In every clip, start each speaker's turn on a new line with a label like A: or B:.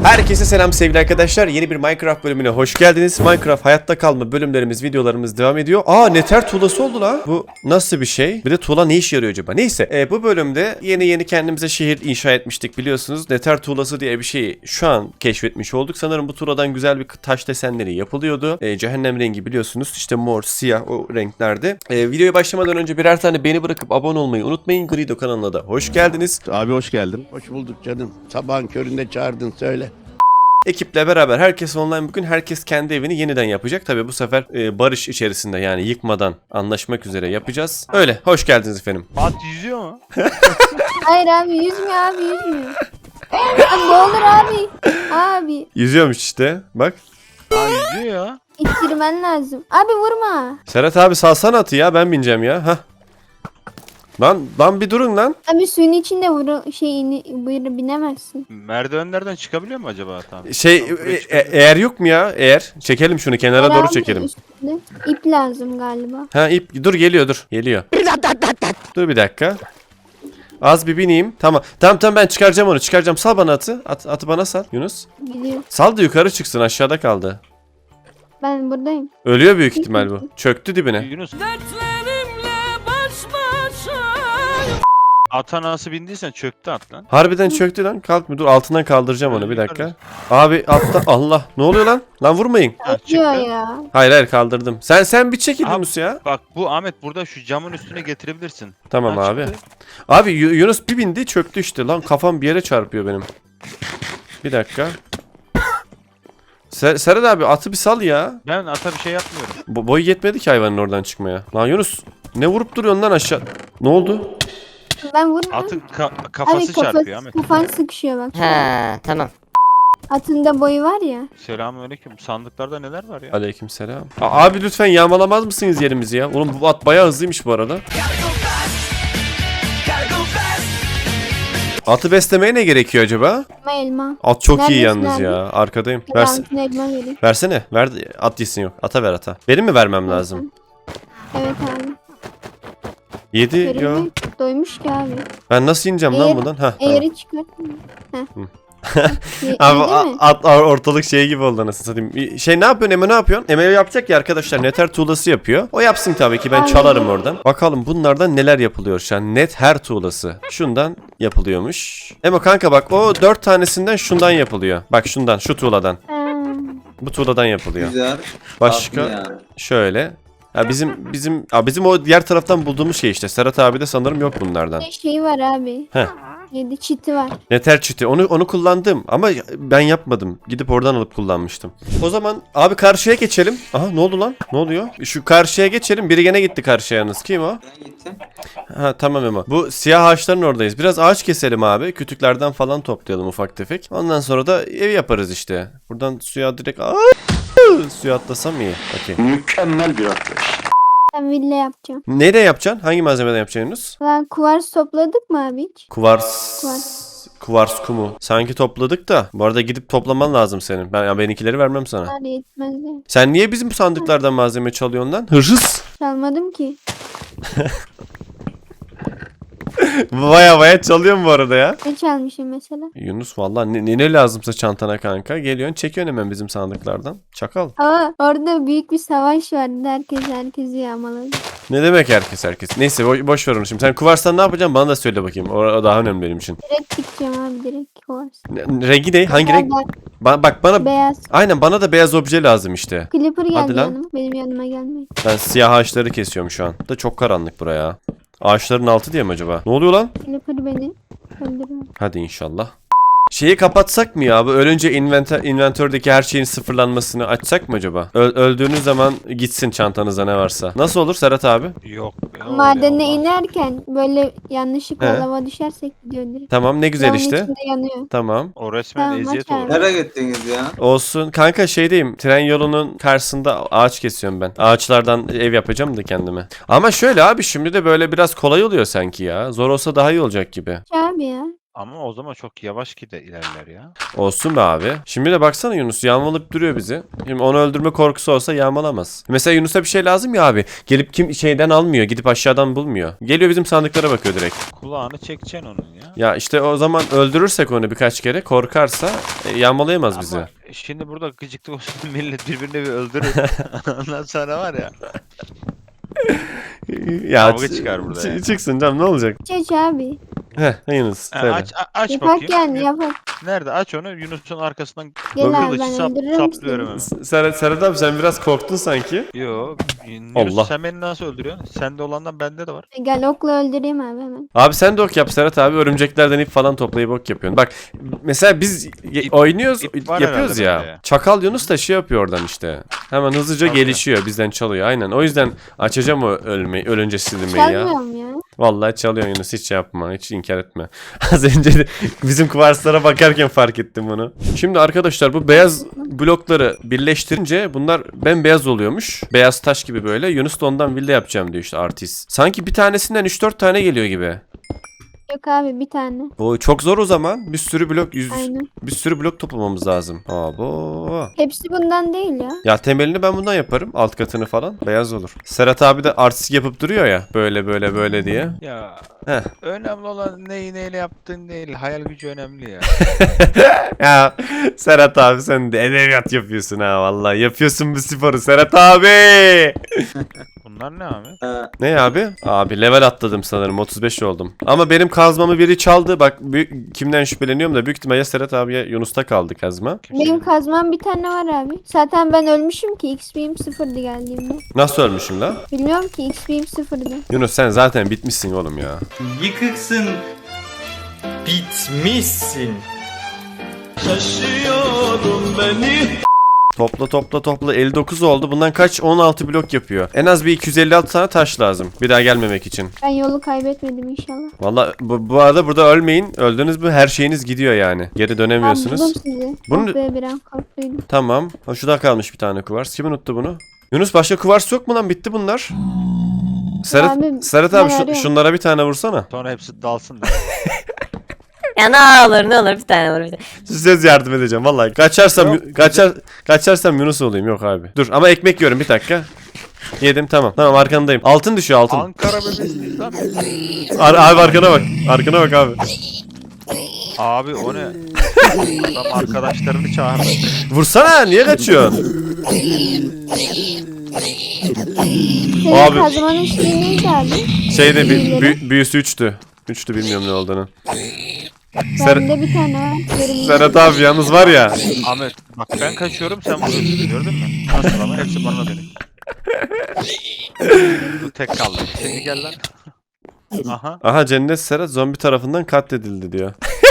A: Herkese selam sevgili arkadaşlar. Yeni bir Minecraft bölümüne hoş geldiniz. Minecraft hayatta kalma bölümlerimiz, videolarımız devam ediyor. Nether tuğlası oldu la. Bu nasıl bir şey? Bir de tuğla ne işe yarıyor acaba? Neyse bu bölümde yeni kendimize şehir inşa etmiştik biliyorsunuz. Nether tuğlası diye bir şeyi şu an keşfetmiş olduk. Sanırım bu tuğladan güzel bir taş desenleri yapılıyordu. Cehennem rengi biliyorsunuz. İşte mor, siyah o renklerde. Videoya başlamadan önce birer tane beğeni bırakıp abone olmayı unutmayın. Grido kanalına da hoş geldiniz.
B: Abi hoş geldin.
C: Hoş bulduk canım. Sabahın köründe çağırdın söyle.
A: Ekiple beraber herkes online bugün herkes kendi evini yeniden yapacak. Tabi bu sefer barış içerisinde yani yıkmadan anlaşmak üzere yapacağız. Öyle hoş geldiniz efendim.
D: At yüzüyor mu?
E: Hayır abi yüzmüyor abi yüzmüyor. Abi ne olur abi. Abi
A: Yüzüyormuş işte bak.
D: Ha yüzüyor ya.
E: ittirmen lazım. Abi vurma.
A: Serhat abi salsana atı ya ben bineceğim ya. Hah. Lan bir durun lan.
E: Abi suyun içinde buyur binemezsin.
D: Merdivenlerden çıkabiliyor mu acaba? Tamam.
A: Eğer yok mu ya? Eğer çekelim şunu kenara doğru
E: Abi
A: çekelim.
E: üstünde ip lazım galiba.
A: Ha ip dur geliyor. Dur bir dakika. Az bir bineyim. Tamam ben çıkaracağım onu. Sal bana atı. Atı bana sal Yunus.
E: Gidiyor.
A: Sal da yukarı çıksın aşağıda kaldı.
E: Ben buradayım.
A: Ölüyor büyük ihtimal bu. Çöktü dibine.
D: Yunus. Ata nasıl bindiysen çöktü at lan.
A: Harbiden çöktü lan. Kalkmıyor. Dur altından kaldıracağım onu bir dakika. Abi altta Allah. Ne oluyor lan? Lan vurmayın.
D: Ha,
E: Diyor
D: çıktı.
E: ya.
A: Hayır kaldırdım. Sen bir çekil
D: Abi-
A: Yunus ya.
D: Bak bu Ahmet burada şu camın üstüne getirebilirsin.
A: Tamam
D: Ha,
A: abi.
D: çıktı.
A: Abi Yunus bir bindi çöktü işte. Lan kafam bir yere çarpıyor benim. Bir dakika. Serhat abi atı bir sal ya.
D: Ben ata bir şey yapmıyorum.
A: Boy yetmedi ki hayvanın oradan çıkmaya. Lan Yunus ne vurup duruyorsun lan aşağı? Ne oldu?
E: Ben vurma.
D: Atın
E: Abi
D: kafası çarpıyor Ahmet.
E: kafan sıkışıyor bak.
F: Ha tamam.
E: Atında boyu var ya.
D: Selamünaleyküm. Sandıklarda neler var ya?
A: Aleykümselam. Abi lütfen yağmalamaz mısınız yerimizi ya? Oğlum bu at bayağı hızlıymış bu arada. Atı beslemeye ne gerekiyor acaba?
E: Elma.
A: At çok iyi
E: Neredesin
A: yalnız
E: abi?
A: ya. Arkadayım.
E: Altına elma vereyim.
A: Versene. Ver at yesin yok. Ata ver ata. Benim mi vermem lazım?
E: Evet abi.
A: Yedi yo.
E: Görünmüyor. Doymuş ki abi.
A: Ben nasıl ineceğim lan buradan? Hah tamam.
E: Eğri çıkartma.
A: Abi
E: Değil mi?
A: at ortalık şey gibi oldu anasını satayım. Ne yapıyorsun Eme ne yapıyorsun? Eme yapacak ya arkadaşlar Nether tuğlası yapıyor. O yapsın tabii ki ben
E: Aynen.
A: çalarım oradan. Bakalım bunlardan neler yapılıyor şu an. Nether tuğlası. Şundan yapılıyormuş. Eme kanka bak o 4 tanesinden şundan yapılıyor. Bak şundan şu tuğladan.
E: Ha.
A: Bu tuğladan yapılıyor.
G: Güzel.
A: Başka
G: Tatlı yani.
A: şöyle. Ya bizim o diğer taraftan bulduğumuz şey işte. Serhat abi de sanırım yok bunlardan.
E: Şey var abi.
A: Heh.
E: 7 çiti var.
A: Nether çiti. Onu kullandım ama ben yapmadım. Gidip oradan alıp kullanmıştım. O zaman abi karşıya geçelim. Aha ne oldu lan? Ne oluyor? Şu karşıya geçelim. Biri gene gitti karşıya yalnız. Kim o?
G: Ben gittim.
A: Ha tamam Emo. Bu siyah ağaçların oradayız. Biraz ağaç keselim abi. Kütüklerden falan toplayalım ufak tefek. Ondan sonra da ev yaparız işte. Buradan suya direkt suya atlasam iyi. Okey.
C: Mükemmel bir atlayış.
E: Ben villa yapacağım.
A: Neyle yapacaksın? Hangi malzemeden yapacaksın Yunus?
E: Lan kuvars topladık mı abi hiç?
A: Kuvars kumu. Sanki topladık da. Bu arada gidip toplaman lazım senin. Benimkileri vermem sana.
E: Var yetmez ya.
A: Sen niye bizim sandıklardan malzeme çalıyorsun lan? Hırsız.
E: Çalmadım ki.
A: Baya çalıyor mu bu arada ya?
E: Ne çalmışım mesela?
A: Yunus vallahi ne lazımsa çantana kanka. Geliyorsun çekiyorsun hemen bizim sandıklardan. Çakal.
E: Ama orada büyük bir savaş vardı. Herkesi yağmaladı.
A: Ne demek herkes? Neyse boş ver onu şimdi. Sen kuvarstan ne yapacaksın bana da söyle bakayım. O daha önemli benim için.
E: Direkt dikeceğim abi direkt kuvars.
A: Rengi ne? Hangi renk? Bak bana
E: Beyaz.
A: aynen bana da beyaz obje lazım işte.
E: Clipper
A: Hadi
E: geldi
A: lan.
E: yanıma. Benim yanıma gelmeyin.
A: Ben siyah ağaçları kesiyorum şu an. Da çok karanlık buraya. Ağaçların altı diye mi acaba? Ne oluyor lan?
E: Clipper beni öldürüyor.
A: Hadi inşallah. Şeyi kapatsak mı ya? Bu ölünce inventördeki her şeyin sıfırlanmasını açsak mı acaba? Öldüğünüz zaman gitsin çantanızda ne varsa. Nasıl olur Serhat abi?
D: Yok.
E: Madene inerken böyle yanlışlıkla
A: He.
E: lava düşersek gidiyor direkt.
A: Tamam ne güzel
E: Lavın
A: işte.
E: içinde yanıyor.
A: Tamam.
D: O resmen
E: Tamam,
D: eziyet
E: aç
D: olur.
E: abi.
G: Nereye gittiniz ya?
A: Olsun. Kanka şeydeyim. Tren yolunun karşısında ağaç kesiyorum ben. Ağaçlardan ev yapacağım da kendime. Ama şöyle abi şimdi de böyle biraz kolay oluyor sanki ya. Zor olsa daha iyi olacak gibi.
E: Abi ya.
D: Ama o zaman çok yavaş ilerler ya.
A: Olsun be abi. Şimdi de baksana Yunus yağmalayıp duruyor bizi. Şimdi onu öldürme korkusu olsa yağmalamaz. Mesela Yunus'a bir şey lazım ya abi. Gelip kim şeyden almıyor. Gidip aşağıdan bulmuyor. Geliyor bizim sandıklara bakıyor direkt.
D: Kulağını çekeceksin onun ya.
A: Ya işte o zaman öldürürsek onu birkaç kere korkarsa yağmalayamaz bizi.
D: Ama şimdi burada gıcıklık olsun millet birbirini bir öldürür. Ondan sonra var ya.
A: Ya
D: Kavga çıkar burada yani.
A: çıksın canım ne olacak?
E: Aç abi.
A: Heh Yunus söyle.
D: Aç
E: Yapak
D: bakayım.
E: yani yapak.
D: Nerede? Aç onu. Yunus'un arkasından
E: Gel abi
D: kılıcı
E: ben öldürürüm
D: saplıyorum
E: seni.
D: hemen.
A: Serhat abi sen biraz korktun sanki.
D: Yo. Yunus
A: Allah.
D: sen beni nasıl öldürüyorsun? Sende olandan bende de var.
E: Gel okla öldüreyim abi hemen.
A: Abi sen de ok yap Serhat abi. Örümceklerden ip falan toplayıp ok yapıyorsun. Bak mesela biz oynuyoruz
D: ip var
A: yapıyoruz
D: herhalde
A: ya.
D: bende ya.
A: Çakal Yunus da şey yapıyor oradan işte. Hemen hızlıca
D: Tabii.
A: gelişiyor bizden çalıyor aynen. O yüzden açacağım o ölünce silmeyi ya.
E: Çalmıyorum ya.
A: Vallahi çalıyor Yunus hiç yapma hiç inkar etme. Az önce de bizim kuvarslara bakarken fark ettim bunu. Şimdi arkadaşlar bu beyaz blokları birleştirince bunlar bembeyaz oluyormuş. Beyaz taş gibi böyle. Yunus da ondan villa yapacağım diyor işte artist. Sanki bir tanesinden 3-4 tane geliyor gibi.
E: Yok abi bir tane.
A: Bu çok zor o zaman. Bir sürü blok
E: Aynen.
A: bir sürü blok toplamamız lazım. Abo.
E: Hepsi bundan değil ya.
A: Ya temelini ben bundan yaparım. Alt katını falan. Beyaz olur. Serhat abi de artistik yapıp duruyor ya. Böyle böyle böyle diye.
D: Ya
A: Heh.
D: önemli olan neyi neyle yaptığın değil. Hayal gücü önemli ya.
A: Ya Serhat abi sen de edebiyat yapıyorsun ha vallahi. Yapıyorsun bu sporu Serhat abi.
D: Bunlar ne abi?
A: Ne abi? Abi level atladım sanırım. 35 oldum. Ama benim kazmamı biri çaldı. Bak kimden şüpheleniyorum da büyük ihtimalle Serhat abiye Yunus'ta kaldı kazma.
E: Benim kazmam bir tane var abi. Zaten ben ölmüşüm ki XP'm sıfırdı geldiğimde.
A: Nasıl ölmüşüm la?
E: Bilmiyorum ki XP'm sıfırdı.
A: Yunus sen zaten bitmişsin oğlum ya.
B: Yıkıksın. Bitmişsin.
A: Topla 59 oldu. Bundan kaç? 16 blok yapıyor. En az bir 256 tane taş lazım. Bir daha gelmemek için.
E: Ben yolu kaybetmedim inşallah.
A: Valla bu arada burada ölmeyin. Öldünüz mü her şeyiniz gidiyor yani. Geri
E: Ben
A: dönemiyorsunuz.
E: buldum sizi.
A: Bunu-
E: Oh be bir an korktuydum.
A: Tamam. Ha, şurada kalmış bir tane kuvars. Kim unuttu bunu? Yunus başka kuvars yok mu lan? Bitti bunlar. Serhat
E: ben
A: abi
E: arıyorum.
A: şunlara bir tane vursana.
D: Sonra hepsi dalsın da.
F: Ya ne olur bir tane olur bir tane.
A: Size yardım edeceğim vallahi. Kaçarsam Yunus olayım. Yok abi. Dur ama ekmek yiyorum bir dakika. Yedim tamam. Tamam arkandayım. Altın düşüyor altın.
D: Ankara bebesiyiz lan.
A: Abi arkana bak. Arkana bak abi.
D: Abi o ne? Adam arkadaşlarını çağırdı.
A: Vursana niye kaçıyorsun?
E: Senin
A: Abi-
E: kazmanın şeyi neydi abi?
A: Şeyde
E: Büyüleri.
A: büyüsü 3'tü. 3'tü bilmiyorum ne olduğunu.
E: Bende bir tane var. Görünüyor.
A: Serhat abi yalnız var ya.
D: Ahmet bak ben kaçıyorum sen vuruyorsun gördün mü? Nasıl ama hepsi bana dönüyor. Bu tek kaldı. Şimdi gel lan. Aha.
A: Aha Cennet Serhat zombi tarafından katledildi diyor.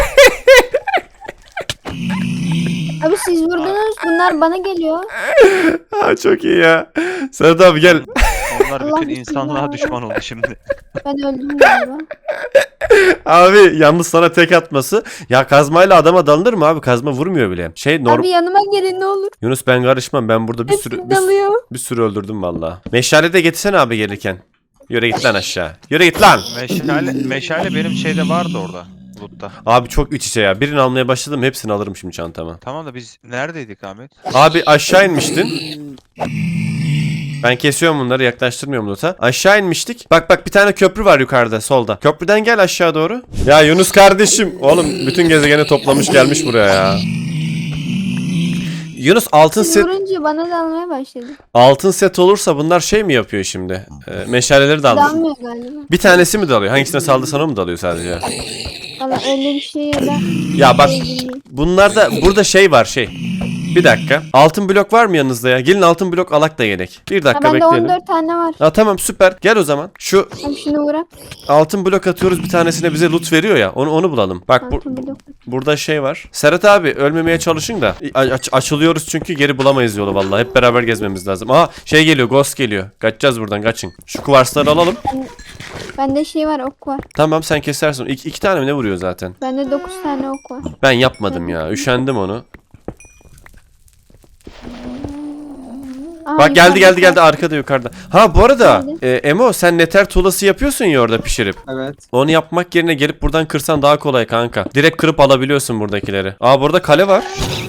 E: Abi siz vurdunuz bunlar bana geliyor.
A: Ha çok iyi ya. Serhat abi gel.
D: Onlar
E: Allah
D: bütün insanlığa
E: bismillah.
D: düşman oldu şimdi.
E: Ben öldüm galiba.
A: Abi yalnız sana tek atması. Ya kazmayla adama dalınır mı abi? Kazma vurmuyor bile.
E: Abi yanıma gelin ne olur.
A: Yunus ben karışmam. Ben burada
E: Hepsi dalıyor.
A: bir sürü öldürdüm valla. Meşale de getirsene abi gelirken. Yürü git lan aşağı. Yürü git lan.
D: Meşale benim şeyde vardı orada. Loot'ta.
A: Abi çok iç içe ya. Birini almaya başladım. Hepsini alırım şimdi çantama.
D: Tamam da biz neredeydik Ahmet?
A: Abi aşağı inmiştin. Ben kesiyorum bunları yaklaştırmıyorum loot'a. Aşağı inmiştik. Bak bir tane köprü var yukarıda solda. Köprüden gel aşağı doğru. Ya Yunus kardeşim. Oğlum bütün gezegeni toplamış gelmiş buraya ya. Yunus
E: Siz vurunca bana dalmaya başladı.
A: altın set olursa bunlar şey mi yapıyor şimdi? Meşaleleri de almış.
E: Dalmıyor galiba.
A: Bir tanesi mi dalıyor? Hangisine saldı sana mı dalıyor sadece?
E: Valla öyle bir şey ya da.
A: Ya bak
E: Şey
A: bunlarda burada şey var şey. Bir dakika. Altın blok var mı yanınızda ya? Gelin altın blok alak da gerek. Bir
E: Ha,
A: dakika
E: bende
A: bekleyelim.
E: 14 tane var.
A: Ha, tamam süper. Gel o zaman. Şu
E: Abi şunu bırak.
A: altın blok atıyoruz bir tanesine bize loot veriyor ya. Onu bulalım. Bak
E: Altın blok.
A: burada şey var. Serhat abi ölmemeye çalışın da. Açılıyoruz çünkü geri bulamayız yolu vallahi. Hep beraber gezmemiz lazım. Aa şey geliyor. Ghost geliyor. Kaçacağız buradan kaçın. Şu kuvarsları alalım.
E: Bende şey var ok var.
A: Tamam sen kesersin. İki tane mi ne vuruyor zaten?
E: Bende 9 tane ok var.
A: Ben yapmadım ya. Üşendim onu.
E: Aa,
A: Bak geldi
E: yukarıda.
A: arkada yukarıda. Ha bu arada
E: Nerede?
A: Emo sen neter tuğlası yapıyorsun ya orada pişirip.
B: Evet.
A: Onu yapmak yerine gelip buradan kırsan daha kolay kanka. Direkt kırıp alabiliyorsun buradakileri. Aa burada kale var.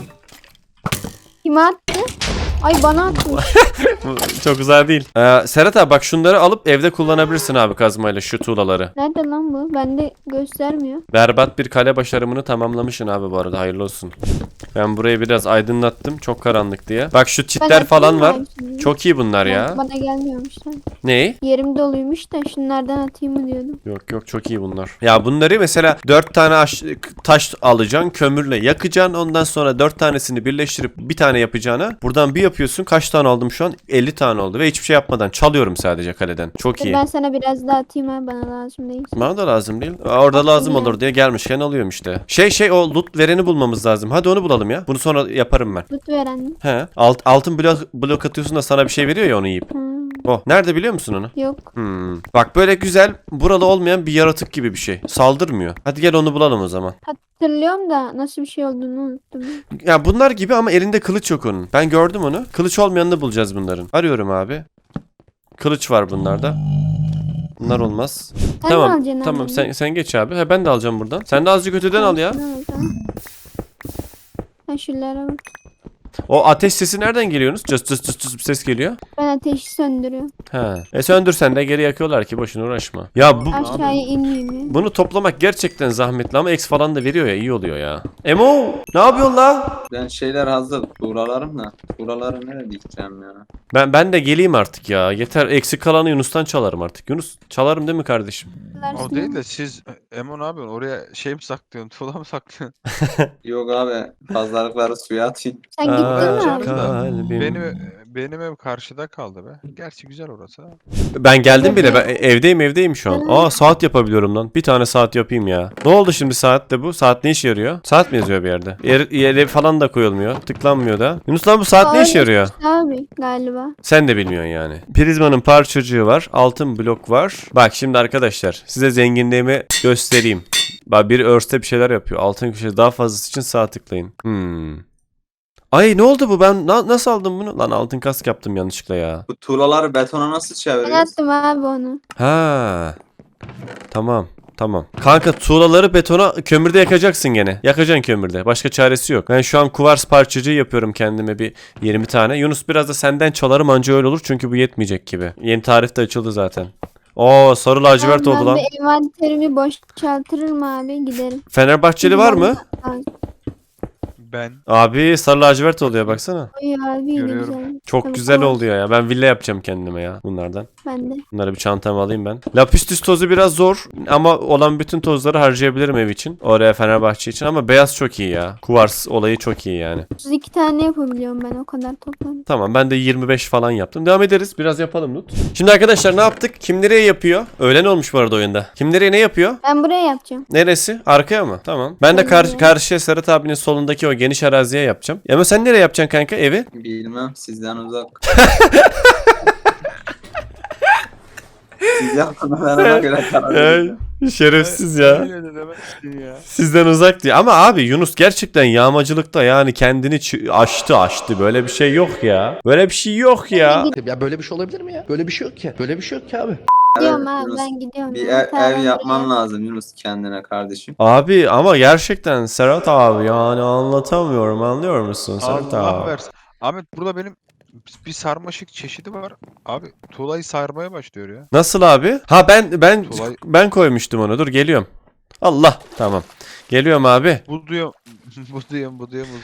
E: Kime attı? Ay bana atmış.
A: Bu çok güzel değil. Serhat abi bak şunları alıp evde kullanabilirsin abi kazmayla şu tuğlaları.
E: Nerede lan bu? Bende göstermiyor.
A: Berbat bir kale başarımını tamamlamışsın abi bu arada hayırlı olsun. Ben burayı biraz aydınlattım çok karanlık diye. Bak şu
E: Ben
A: çitler falan
E: atayım
A: var.
E: mı abi şimdi?
A: Çok iyi bunlar ya.
E: Bana gelmiyormuş lan.
A: Ne?
E: Yerim doluymuş da şunlardan atayım mı diyordum.
A: Yok çok iyi bunlar. Ya bunları mesela 4 tane taş alacaksın, kömürle yakacaksın. Ondan sonra 4 tanesini birleştirip bir tane yapacağına buradan bir yapıyorsun. Kaç tane aldım şu an? 50 tane oldu ve hiçbir şey yapmadan çalıyorum sadece kaleden. Çok
E: Dur
A: iyi.
E: ben sana biraz daha atayım ha, bana lazım değil.
A: Bana da lazım değil. Orada lazım
E: ya.
A: olur diye gelmişken alıyorum işte. O loot vereni bulmamız lazım. Hadi onu bulalım ya. Bunu sonra yaparım ben.
E: Tut veren mi?
A: He. Altın blok atıyorsun da sana bir şey veriyor ya onu yiyip. Oh. Nerede biliyor musun onu?
E: Yok.
A: Bak böyle güzel buralı olmayan bir yaratık gibi bir şey. Saldırmıyor. Hadi gel onu bulalım o zaman.
E: Hatırlıyorum da nasıl bir şey olduğunu unuttum.
A: Ya bunlar gibi ama elinde kılıç yok onun. Ben gördüm onu. Kılıç olmayanını bulacağız bunların. Arıyorum abi. Kılıç var bunlarda. Bunlar olmaz.
E: Sen
A: Tamam.
E: mi alacaksın
A: Tamam
E: abi?
A: sen geç abi. He ben de alacağım buradan. Sen de azıcık öteden al ya.
E: Şunu al, tamam. Ha şunlara bak.
A: O ateş sesi nereden geliyorsunuz? Cıs bir ses geliyor.
E: Ben ateşi söndürüyorum.
A: He. Söndürsen de geri yakıyorlar ki boşuna uğraşma. Ya
E: Aşağıya inmeyeyim ya.
A: bunu toplamak gerçekten zahmetli ama X falan da veriyor ya iyi oluyor ya. Emo ne yapıyorsun la?
B: Ben şeyler hazır. Tuğralarım da. Tuğraları nereye dikeceğim ya?
A: Ben de geleyim artık ya. Yeter eksik kalanı Yunus'tan çalarım artık. Yunus çalarım değil mi kardeşim?
D: O değil de siz Emo ne yapıyorsun? Oraya şey mi saklıyorsun? Tuğla mı saklıyorsun?
B: Yok abi. Pazarlıkları suya atayım.
E: Sen gittin mi
D: canım
E: abi?
D: da.
A: Kalbim.
D: Benim ev karşıda kaldı be. Gerçi güzel orası ha.
A: Ben geldim bile. Ben evdeyim şu an. Aa saat yapabiliyorum lan. Bir tane saat yapayım ya. Ne oldu şimdi saatte bu? Saat ne işe yarıyor? Saat mi yazıyor bir yerde? Yere falan da koyulmuyor. Tıklanmıyor da. Yunus lan bu saat ne işe yarıyor?
E: Abi galiba.
A: Sen de bilmiyorsun yani. Prizmanın parçacığı var. Altın blok var. Bak şimdi arkadaşlar size zenginliğimi göstereyim. Bak biri örste bir şeyler yapıyor. Altın köşesi daha fazlası için sağ tıklayın. Ay ne oldu bu? Ben nasıl aldım bunu? Lan altın kask yaptım yanlışlıkla ya.
B: Bu tuğlaları betona nasıl
E: Ben
B: çeviriyoruz?
E: attım abi onu.
A: Ha. Tamam. Kanka tuğlaları betona kömürde yakacaksın gene. Yakacaksın kömürde. Başka çaresi yok. Ben şu an kuvars parçacığı yapıyorum kendime bir 20 tane. Yunus biraz da senden çalarım anca öyle olur çünkü bu yetmeyecek gibi. Yeni tarif de açıldı zaten. Oo sarı lacivert oldu lan.
E: Ben bir envanterimi boşaltırım abi giderim.
A: Fenerbahçeli var mı?
D: Ben
A: Abi sarı lacivert oluyor baksana.
E: Oy abi ne
D: Görüyorum.
E: güzel.
A: Çok
E: Tabii
A: güzel
E: var.
A: oluyor ya. Ben villa yapacağım kendime ya bunlardan.
E: Ben de.
A: Bunları bir çantama alayım ben. Lapis tozu biraz zor ama olan bütün tozları harcayabilirim ev için. Oraya Fenerbahçe için ama beyaz çok iyi ya. Kuvars olayı çok iyi yani.
E: 32 tane yapabiliyorum ben o kadar toplam.
A: Tamam ben de 25 falan yaptım. Devam ederiz. Biraz yapalım Lut. Şimdi arkadaşlar ne yaptık? Kim nereye yapıyor? Öğlen olmuş bu arada oyunda. Kim nereye ne yapıyor?
E: Ben buraya yapacağım.
A: Neresi? Arkaya mı? Tamam. Ben de karşıya Serhat abinin solundaki o geniş araziye yapacağım. Ama sen nereye yapacaksın kanka evi?
B: Bilmem. Sizden uzak. Siz yapın. Ben ona göre karar vereceğim.
A: Şerefsiz ya.
D: öyle de demezsin ya.
A: Sizden uzak diye. Ama abi Yunus gerçekten yağmacılıkta yani kendini aştı. Böyle bir şey yok ya. Böyle bir şey yok ya.
C: Ya böyle bir şey olabilir mi ya? Böyle bir şey yok ki. Böyle bir şey yok ki abi.
E: Gidiyorum
B: Evet,
E: abi
B: Yunus,
E: ben gidiyorum.
B: Bir
E: ya. Tamam,
B: ev
E: ben
B: yapman
E: buraya-
B: lazım Yunus kendine kardeşim.
A: Abi ama gerçekten Serhat abi yani anlatamıyorum anlıyor musun Serhat
D: Allah
A: abi?
D: versin. Ahmet burada benim bir sarmaşık çeşidi var. Abi tuğlayı sarmaya başlıyor ya.
A: Nasıl abi? Ha
D: Kolay.
A: ben koymuştum onu. Dur geliyorum. Allah tamam. Geliyorum abi.
D: Bu diyor. bu diyor.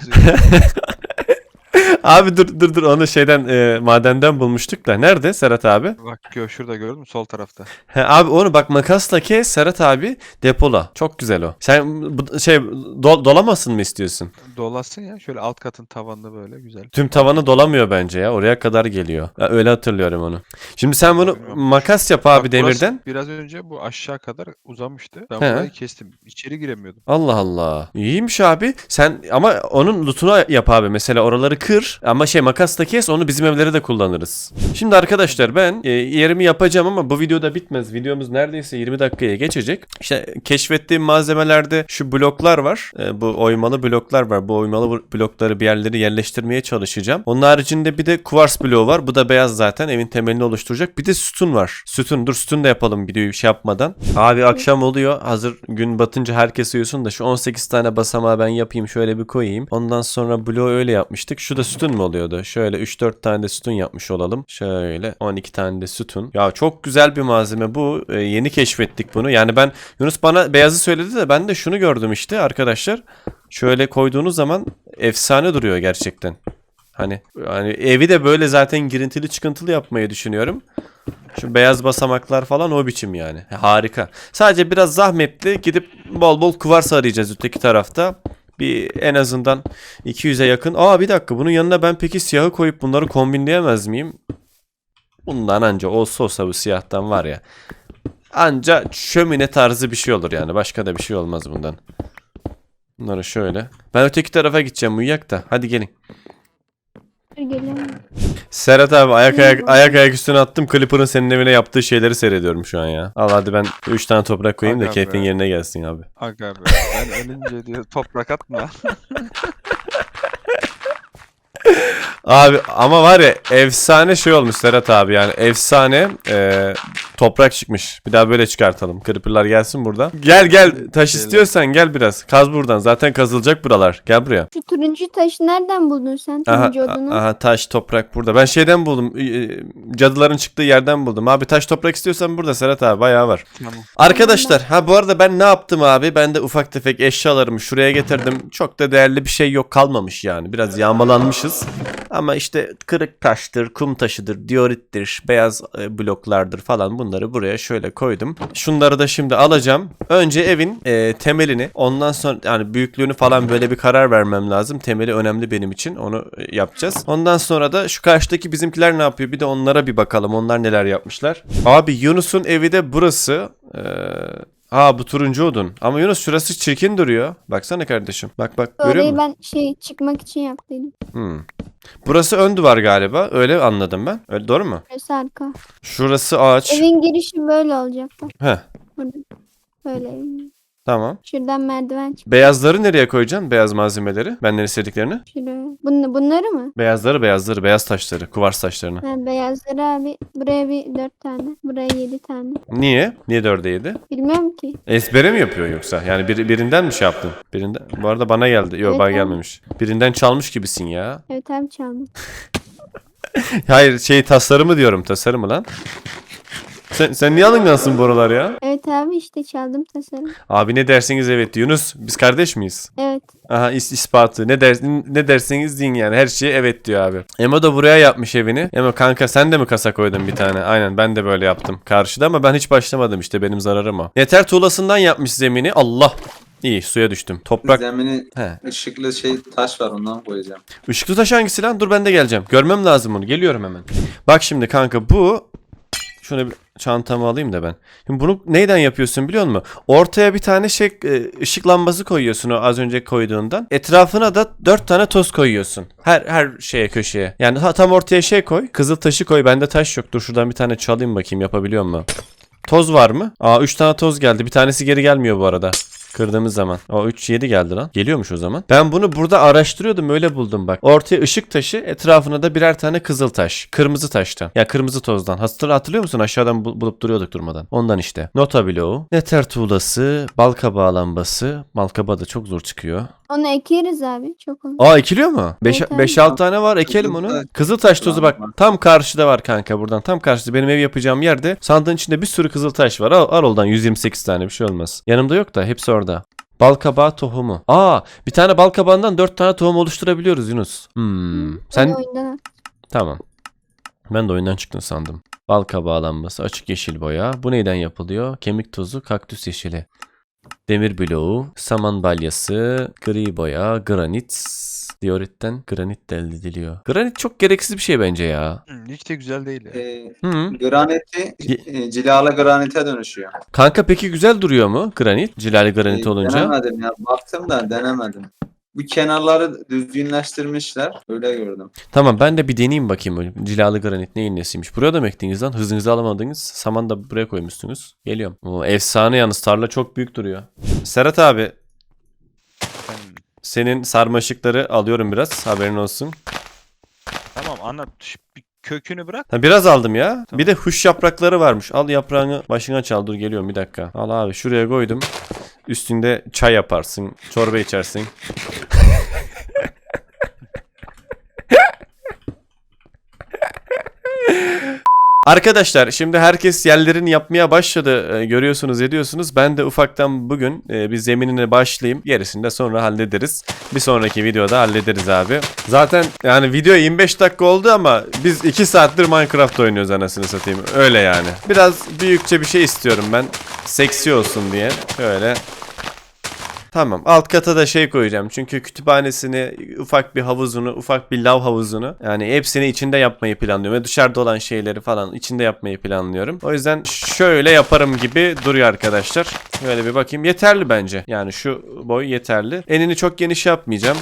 A: Abi dur onu madenden bulmuştuk da. Nerede Serhat abi?
D: Bak şurada gördün mü? Sol tarafta.
A: He, abi onu bak makasla kes Serhat abi depola. Çok güzel o. Sen dolamasın mı istiyorsun?
D: Dolasın ya. Şöyle alt katın tavanında böyle güzel.
A: Tüm tavanı dolamıyor bence ya. Oraya kadar geliyor. Ya, öyle hatırlıyorum onu. Şimdi sen bunu makas yap abi
D: Bak, burası
A: demirden.
D: biraz önce bu aşağı kadar uzamıştı. Ben
A: He.
D: burayı kestim. İçeri giremiyordum.
A: Allah Allah. İyiymiş abi. Sen ama onun lootunu yap abi. Mesela oraları kır. kır ama makasla kes, onu bizim evlere de kullanırız. Şimdi arkadaşlar ben yerimi yapacağım ama bu videoda bitmez. Videomuz neredeyse 20 dakikaya geçecek. İşte keşfettiğim malzemelerde şu bloklar var. Bu oymalı bloklar var. Bu oymalı blokları bir yerlere yerleştirmeye çalışacağım. Onun haricinde bir de kuvars bloğu var. Bu da beyaz zaten. Evin temelini oluşturacak. Bir de sütun var. Sütun da yapalım videoyu yapmadan. Abi akşam oluyor. Hazır gün batınca herkes uyusun da şu 18 tane basamağı ben yapayım. Şöyle bir koyayım. Ondan sonra bloğu öyle yapmıştık. Şu da sütun mu oluyordu? Şöyle 3-4 tane de sütun yapmış olalım. Şöyle 12 tane de sütun. Ya çok güzel bir malzeme bu. Yeni keşfettik bunu. Yani Yunus bana beyazı söyledi de ben de şunu gördüm işte arkadaşlar. Şöyle koyduğunuz zaman efsane duruyor gerçekten. Hani evi de böyle zaten girintili çıkıntılı yapmayı düşünüyorum. Şu beyaz basamaklar falan o biçim yani. Harika. Sadece biraz zahmetli, gidip bol bol kuvars arayacağız öteki tarafta. Bir en azından 200'e yakın. Bir dakika, bunun yanına ben peki siyahı koyup bunları kombinleyemez miyim? Bundan anca olsa bu siyahtan var ya. Anca şömine tarzı bir şey olur yani. Başka da bir şey olmaz bundan. Bunları şöyle. Ben öteki tarafa gideceğim, uyuyak da. Hadi gelin.
E: Geliyorum.
A: Serhat abi ayak üstüne attım. Clipper'ın senin evine yaptığı şeyleri seyrediyorum şu an ya. Al hadi ben 3 tane toprak koyayım da
D: Aga
A: keyfin
D: be.
A: yerine gelsin abi.
D: Aga be. Ben ölünce diyor toprak atma.
A: Abi ama var ya, efsane şey olmuş Serhat abi, yani efsane toprak çıkmış. Bir daha böyle çıkartalım. Creeper'lar gelsin burada. Gel taş istiyorsan gel biraz. Kaz buradan. Zaten kazılacak buralar. Gel buraya.
E: Şu turuncu taşı nereden buldun sen? Turuncu odunu.
A: Aha taş toprak burada. Ben şeyden buldum. Cadıların çıktığı yerden buldum. Abi taş toprak istiyorsan burada Serhat abi, bayağı var.
D: Tamam.
A: Arkadaşlar bu arada ben ne yaptım abi? Ben de ufak tefek eşyalarımı şuraya getirdim. Çok da değerli bir şey yok, kalmamış yani. Biraz yağmalanmışız. Ama işte kırık taştır, kum taşıdır, diorittir, beyaz bloklardır falan, bunları buraya şöyle koydum. Şunları da şimdi alacağım. Önce evin temelini, ondan sonra yani büyüklüğünü falan böyle bir karar vermem lazım. Temeli önemli benim için, onu yapacağız. Ondan sonra da şu karşıdaki bizimkiler ne yapıyor? Bir de onlara bir bakalım, onlar neler yapmışlar. Abi Yunus'un evi de burası. Bu turuncu odun. Ama Yunus şurası çirkin duruyor. Baksana kardeşim. Bak görüyor
E: Orayı
A: musun?
E: ben çıkmak için yaptıydım.
A: Burası ön duvar galiba. Öyle anladım ben. Öyle doğru mu?
E: Burası arka.
A: Şurası ağaç.
E: Evin girişi böyle olacak bak.
A: Heh,
E: Burada. Böyle evin.
A: tamam.
E: Şuradan merdiven çık.
A: Beyazları nereye koyacaksın? Beyaz malzemeleri. Benden istediklerini.
E: Şuraya. Bunları mı?
A: Beyazları, beyaz taşları. Kuvars taşlarını.
E: Ha, beyazları abi. Buraya bir 4 tane. Buraya 7 tane.
A: Niye? Niye 4'e 7?
E: Bilmiyorum ki.
A: Ezbere mi yapıyor yoksa? Yani birinden mi şey yaptın? Birinden. Bu arada bana geldi. Yok
E: Evet,
A: bana
E: abi.
A: gelmemiş. Birinden çalmış gibisin ya.
E: Evet abi çaldım.
A: Hayır tasarımı diyorum. Tasarımı lan. Sen niye alıngansın bu aralar ya?
E: Evet abi işte çaldım tasarım.
A: Abi ne derseniz evet. Yunus biz kardeş miyiz?
E: Evet.
A: Aha ispatı. Ne derseniz deyin yani. Her şeye evet diyor abi. Emo da buraya yapmış evini. Emo kanka sen de mi kasa koydun bir tane? Aynen ben de böyle yaptım karşıda ama ben hiç başlamadım işte, benim zararım o. Yeter tuğlasından yapmış zemini. Allah. İyi, suya düştüm. Toprak.
B: Zemini
A: He.
B: ışıklı taş var, ondan koyacağım.
A: Işıklı taş hangisi lan? Dur ben de geleceğim. Görmem lazım onu. Geliyorum hemen. Bak şimdi kanka bu. Şunu bir çantamı alayım da ben. Şimdi bunu neyden yapıyorsun biliyor musun? Ortaya bir tane ışık lambası koyuyorsun o az önce koyduğundan. Etrafına da 4 tane toz koyuyorsun. Her şeye, köşeye. Yani tam ortaya koy. Kızıl taşı koy. Bende taş yok. Dur şuradan bir tane çalayım bakayım, yapabiliyor mu? Toz var mı? 3 tane toz geldi. Bir tanesi geri gelmiyor bu arada. Kırdığımız zaman. 3-7 geldi lan. Geliyormuş o zaman. Ben bunu burada araştırıyordum, öyle buldum bak. Ortaya ışık taşı, etrafına da birer tane kızıl taş. Kırmızı taştan. Ya kırmızı tozdan. Hatırlıyor musun? Aşağıdan bulup duruyorduk durmadan. Ondan işte. Nota bloğu. Neter tuğlası. Balkabağı lambası. Balkabağı da çok zor çıkıyor.
E: Onu ekeriz abi. Çok olur.
A: Ekiliyor mu?
E: Evet, abi.
A: 5-6 tane var. Ekelim onu.
B: Kızıltaş.
A: Kızıltaş tozu bak.
B: Var.
A: Tam karşıda var kanka buradan. Tam karşıda benim ev yapacağım yerde. Sandığın içinde bir sürü kızıltaş var. Al oradan 128 tane, bir şey olmaz. Yanımda yok da hepsi orada. Balkabağı tohumu. Bir tane balkabağından 4 tane tohum oluşturabiliyoruz Yunus. Sen
E: Onu oyundan at.
A: tamam. Ben de oyundan çıktın sandım. Balkabağı lambası, açık yeşil boya. Bu neyden yapılıyor? Kemik tozu, kaktüs yeşili. Demir bloğu, saman balyası, gri boya, granit. Dioritten granit de elde ediliyor. Granit çok gereksiz bir şey bence ya.
D: Hiç de güzel değil ya.
B: Graniti cilalı granite dönüşüyor.
A: Kanka peki güzel duruyor mu granit? Cilali granit olunca.
B: Denemedim ya. Baktım da denemedim. Bu kenarları düzgünleştirmişler. Öyle gördüm.
A: Tamam ben de bir deneyeyim bakayım. Öyle. Cilalı granit neyin nesiymiş. Buraya da mı ektiniz lan? Hızınızı alamadınız. Saman da buraya koymuşsunuz. Geliyorum. O efsane yalnız. Tarla çok büyük duruyor. Serhat abi.
D: Efendim,
A: Senin sarmaşıkları alıyorum biraz. Haberin olsun.
D: tamam anlat. Bir kökünü bırak.
A: Ha, biraz aldım ya.
D: Tamam.
A: Bir de huş yaprakları varmış. Al yaprağını başına çal. Dur geliyorum bir dakika. Al abi şuraya koydum. Üstünde çay yaparsın. Çorba içersin. Arkadaşlar şimdi herkes yerlerini yapmaya başladı. Görüyorsunuz ediyorsunuz. Ben de ufaktan bugün bir zeminine başlayayım. Gerisini de sonra hallederiz. Bir sonraki videoda hallederiz abi. Zaten yani video 25 dakika oldu ama biz 2 saattir Minecraft oynuyoruz anasını satayım. Öyle yani. Biraz büyükçe bir şey istiyorum ben. Seksi olsun diye. Şöyle. Tamam. Alt kata da şey koyacağım. Çünkü kütüphanesini, ufak bir havuzunu, ufak bir lav havuzunu yani hepsini içinde yapmayı planlıyorum. Ve dışarıda olan şeyleri falan içinde yapmayı planlıyorum. O yüzden şöyle yaparım gibi duruyor arkadaşlar. Böyle bir bakayım. Yeterli bence. Yani şu boy yeterli. Enini çok geniş yapmayacağım.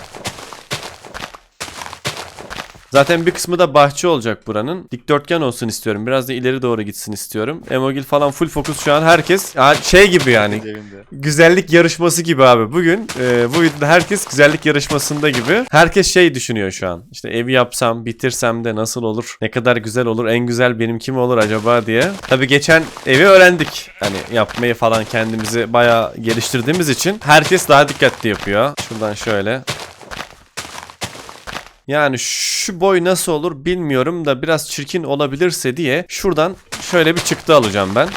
A: Zaten bir kısmı da bahçe olacak buranın. Dikdörtgen olsun istiyorum. Biraz da ileri doğru gitsin istiyorum. Emogil falan full fokus şu an herkes. Şey gibi yani.
D: Evinde.
A: Güzellik yarışması gibi abi. Bugün bu videoda herkes güzellik yarışmasında gibi. Herkes şey düşünüyor şu an. İşte evi yapsam, bitirsem de nasıl olur? Ne kadar güzel olur? En güzel benimki mi olur acaba diye. Tabii geçen evi öğrendik. Hani yapmayı falan kendimizi bayağı geliştirdiğimiz için herkes daha dikkatli yapıyor. Şuradan şöyle. Yani şu boy nasıl olur bilmiyorum da biraz çirkin olabilirse diye şuradan şöyle bir çıktı alacağım ben.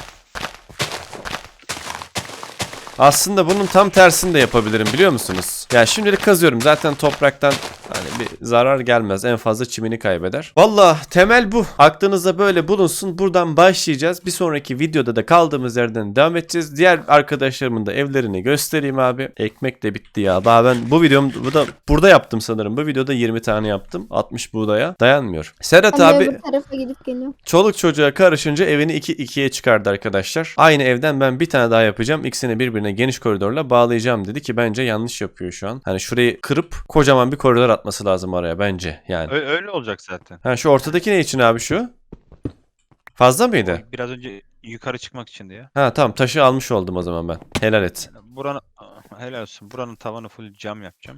A: Aslında bunun tam tersini de yapabilirim biliyor musunuz? Yani şimdilik kazıyorum zaten topraktan hani bir zarar gelmez en fazla çimini kaybeder. Valla temel bu. Aklınızda böyle bulunsun buradan başlayacağız. Bir sonraki videoda da kaldığımız yerden devam edeceğiz. Diğer arkadaşlarımın da evlerini göstereyim abi. Ekmek de bitti ya. Daha ben bu burada yaptım sanırım. Bu videoda 20 tane yaptım. 60 buğdaya dayanmıyor. Serhat
E: Ben
A: abi
E: de bu tarafa gidip geliyorum.
A: çoluk çocuğa karışınca evini 2-2'ye çıkardı arkadaşlar. Aynı evden ben bir tane daha yapacağım. İkisini birbirine geniş koridorla bağlayacağım dedi ki bence yanlış yapıyor şu an. Hani şurayı kırıp kocaman bir koridor atması lazım araya bence yani.
D: Öyle olacak zaten.
A: Ha şu ortadaki ne için abi şu? Fazla mıydı?
D: Biraz önce yukarı çıkmak içindi ya.
A: Ha tamam taşı almış oldum o zaman ben. Helal et.
D: Buranın helal olsun. Buranın tavanı full cam yapacağım.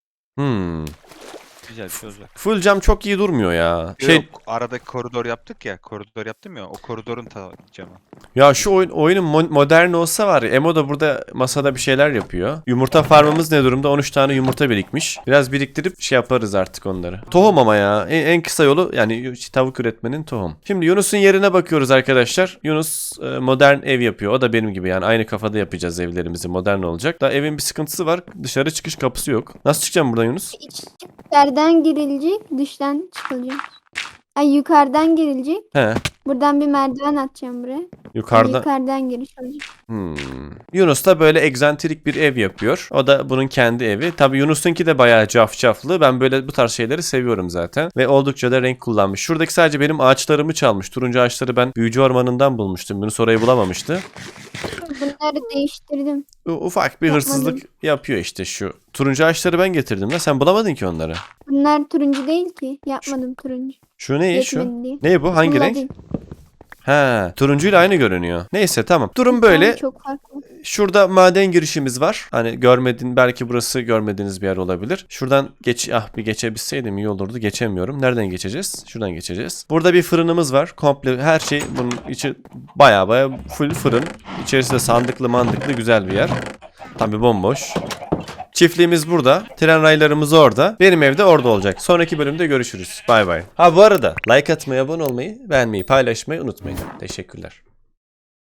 D: Güzel bir şey olacak.
A: Full cam çok iyi durmuyor ya.
D: Yok, aradaki koridor yaptık ya. Koridor yaptım ya. O koridorun camı.
A: Ya şu oyunun modern olsa var ya Emo da burada masada bir şeyler yapıyor. Yumurta farmımız ne durumda? 13 tane yumurta birikmiş. Biraz biriktirip şey yaparız artık onları. Tohum ama ya. En kısa yolu yani tavuk üretmenin tohum. Şimdi Yunus'un yerine bakıyoruz arkadaşlar. Yunus modern ev yapıyor. O da benim gibi yani aynı kafada yapacağız evlerimizi. Modern olacak. Da evin bir sıkıntısı var. Dışarı çıkış kapısı yok. Nasıl çıkacağım buradan Yunus?
E: İçeriden girilecek, dıştan çıkılacak. Ay yukarıdan girilecek.
A: He.
E: Buradan bir merdiven atacağım buraya.
A: Yukarıda.
E: Yukarıdan giriş olacak.
A: Yunus da böyle egzantrik bir ev yapıyor. O da bunun kendi evi. Tabii Yunus'unki de bayağı cafcaflı. Ben böyle bu tarz şeyleri seviyorum zaten. Ve oldukça da renk kullanmış. Şuradaki sadece benim ağaçlarımı çalmış. Turuncu ağaçları ben büyücü ormanından bulmuştum. Yunus orayı bulamamıştı.
E: Bunları değiştirdim.
A: Ufak bir
E: Yapmadım.
A: hırsızlık yapıyor işte şu. Turuncu ağaçları ben getirdim de sen bulamadın ki onları.
E: Bunlar turuncu değil ki. Yapmadım turuncu.
A: Şu ne şu?
E: Yetmedi diye.
A: Ne bu? Hangi
E: Bunlar
A: renk?
E: değil.
A: Ha, turuncuyla aynı görünüyor. Neyse tamam. Durum böyle.
E: Yani çok farklı.
A: Şurada maden girişimiz var. Hani belki burası görmediğiniz bir yer olabilir. Şuradan bir geçebilseydim iyi olurdu. Geçemiyorum. Nereden geçeceğiz? Şuradan geçeceğiz. Burada bir fırınımız var. Komple her şey bunun içi baya full fırın. İçerisi de sandıklı mandıklı güzel bir yer. Tabii bomboş. Çiftliğimiz burada. Tren raylarımız orada. Benim evde orada olacak. Sonraki bölümde görüşürüz. Bay bay. Ha bu arada like atmayı, abone olmayı, beğenmeyi, paylaşmayı unutmayın. Teşekkürler.